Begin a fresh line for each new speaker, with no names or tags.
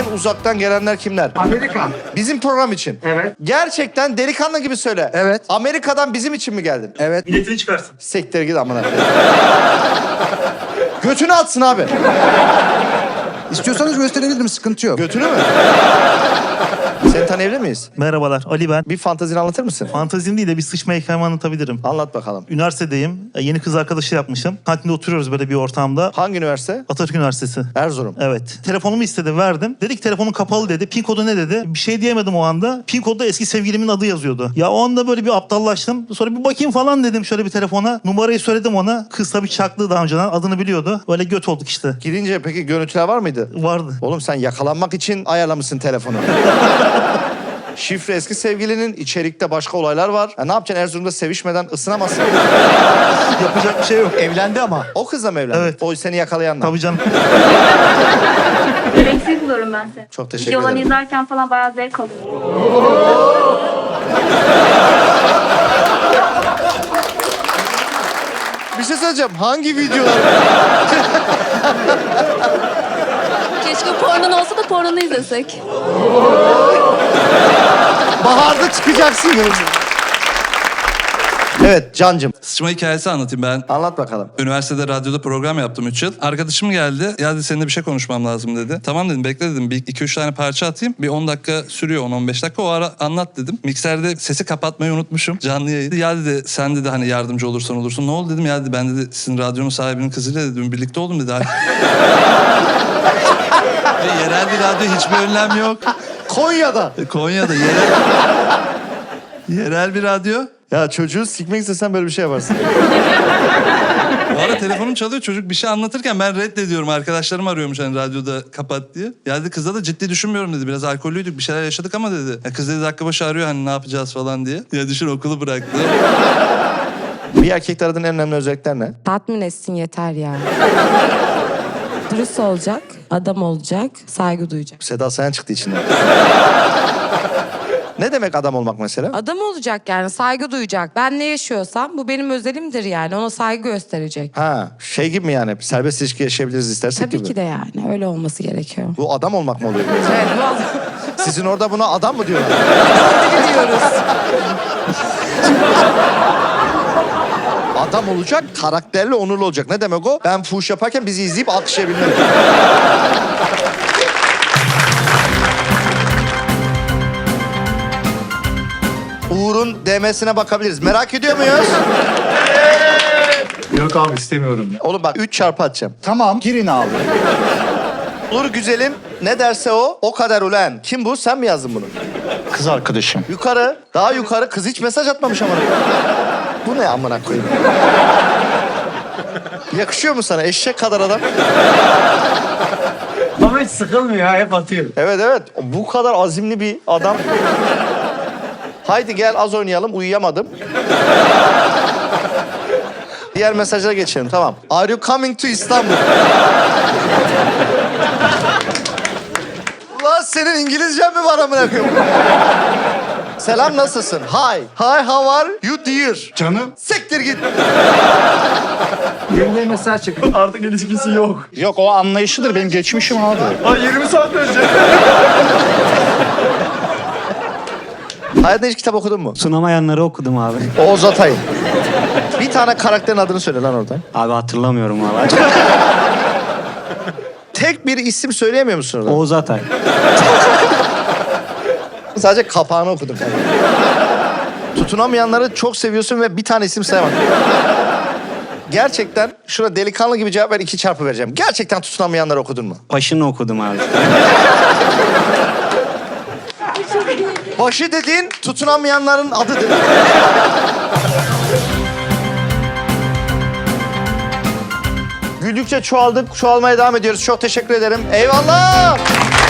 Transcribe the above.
En uzaktan gelenler kimler?
Amerika.
Bizim program için.
Evet.
Gerçekten delikanlı gibi söyle.
Evet.
Amerika'dan bizim için mi geldin?
Evet.
Biletini çıkarsın.
Sektir git amına koyayım. Götünü atsın abi.
İstiyorsanız gösterebilirim, sıkıntı yok.
Götünü mü? Seni tanıyabilir miyiz?
Merhabalar, Ali ben.
Bir fantezini anlatır mısın?
Fantazim değil de bir sıçma hikayemi anlatabilirim.
Anlat bakalım.
Üniversitedeyim. Yeni kız arkadaşı yapmışım. Kantinde oturuyoruz böyle bir ortamda.
Hangi üniversite?
Atatürk Üniversitesi.
Erzurum.
Evet. Telefonumu istedi, verdim. Dedi ki telefonun kapalı dedi. Pin kodu ne dedi? Bir şey diyemedim o anda. Pin kodda eski sevgilimin adı yazıyordu. Ya o anda böyle bir aptallaştım. Sonra bir bakayım falan dedim şöyle bir telefona. Numarayı söyledim ona. Kız tabii çaklı daha önceden. Adını biliyordu. Böyle göt olduk işte.
Girince peki görüntüler var mıydı?
Vardı.
Oğlum sen yakalanmak için ayarlamışsın telefonu. Şifre eski sevgilinin, içerikte başka olaylar var. Ya ne yapacaksın Erzurum'da sevişmeden ısınamazsın.
Yapacak bir şey yok.
Evlendi ama.
O kızla mı evlendin?
Evet.
O seni yakalayanla.
Tabii canım.
Gereksiz buluyorum ben seni.
Çok teşekkür
Videolarını
ederim.
izlerken falan bayağı zevk alıyorum.
Bir şey söyleyeceğim. Hangi videolar?
Keşke pornon olsa da pornonu izlesek.
Baharda çıkacaksın. Evet Cancım.
Sıçma hikayesi anlatayım ben.
Anlat bakalım.
Üniversitede radyoda program yaptım 3 yıl. Arkadaşım geldi. Ya dedi seninle bir şey konuşmam lazım dedi. Tamam dedim bekle dedim. Bir 2-3 tane parça atayım. Bir 10 dakika sürüyor 10-15 dakika. O ara anlat dedim. Mikserde sesi kapatmayı unutmuşum. Canlı yayın. Ya dedi sen dedi hani yardımcı olursan olursun. Ne oldu dedim. Ya dedi ben dedi sizin radyonun sahibinin kızıyla dedim birlikte oldum dedi. Ve yerel bir radyo hiçbir önlem yok.
Konya'da.
Konya'da yerel bir radyo.
Ya çocuğu sikmek istesen böyle bir şey yaparsın.
Bu ara telefonum çalıyor çocuk bir şey anlatırken ben reddediyorum. Arkadaşlarım arıyormuş hani radyoda kapat diye. Ya dedi kızla da ciddi düşünmüyorum dedi. Biraz alkollüydük bir şeyler yaşadık ama dedi. Ya kız dedi dakika başı arıyor hani ne yapacağız falan diye. Ya düşün okulu bıraktı.
Bir erkekte aradığın en önemli özellikler ne?
Tatmin etsin yeter ya. Dürüst olacak, adam olacak, saygı duyacak.
Seda Sayan çıktı içinden. Ne demek adam olmak mesela?
Adam olacak yani, saygı duyacak. Ben ne yaşıyorsam bu benim özelimdir yani. Ona saygı gösterecek.
Ha, şey gibi mi yani? Serbest ilişki yaşayabiliriz istersek
Tabii
gibi.
ki de yani. Öyle olması gerekiyor.
Bu adam olmak mı oluyor?
Evet, bu adam
Sizin orada buna adam mı diyorlar?
diyoruz.
Adam olacak, karakterli, onurlu olacak. Ne demek o? Ben fuhuş yaparken bizi izleyip alkışlayabilmeli. Uğur'un DM'sine bakabiliriz. Merak ediyor muyuz?
Yok abi istemiyorum ya.
Oğlum bak 3 çarpı atacağım.
Tamam, girin abi.
Uğur güzelim ne derse o kadar ulan. Kim bu? Sen mi yazdın bunu?
Kız arkadaşım.
Yukarı, daha yukarı. Kız hiç mesaj atmamış amına. Bu ne amına koyayım? Yakışıyor mu sana eşek kadar adam?
Ama hiç sıkılmıyor ha hep atıyor.
Evet evet. Bu kadar azimli bir adam. Haydi gel az oynayalım. Uyuyamadım. Diğer mesajlara geçelim. Tamam. Are you coming to İstanbul? Ulan senin İngilizcen mi var amına koyayım? Selam nasılsın? Hi. Hi how are you dear?
Canım.
Siktir git.
Yeniden mesaj çıktı. Artık ilişkisi yok.
Yok, o anlayışlıdır, benim geçmişim abi.
Ay 20 saat önce.
Hayatında hiç kitap okudun mu?
Sunamayanları okudum abi.
Oğuz Atay. Bir tane karakterin adını söyle lan oradan.
Abi hatırlamıyorum valla.
Tek bir isim söyleyemiyor musun oradan?
Oğuz Atay.
Sadece kapağını okudum. Tutunamayanları çok seviyorsun ve bir tane isim sayamadın. Gerçekten şuna delikanlı gibi cevap ver 2 çarpı vereceğim. Gerçekten tutunamayanları okudun mu?
Başını okudum abi.
Başı dediğin tutunamayanların adıdır. Güldükçe çoğaldık, çoğalmaya devam ediyoruz. Çok teşekkür ederim. Eyvallah!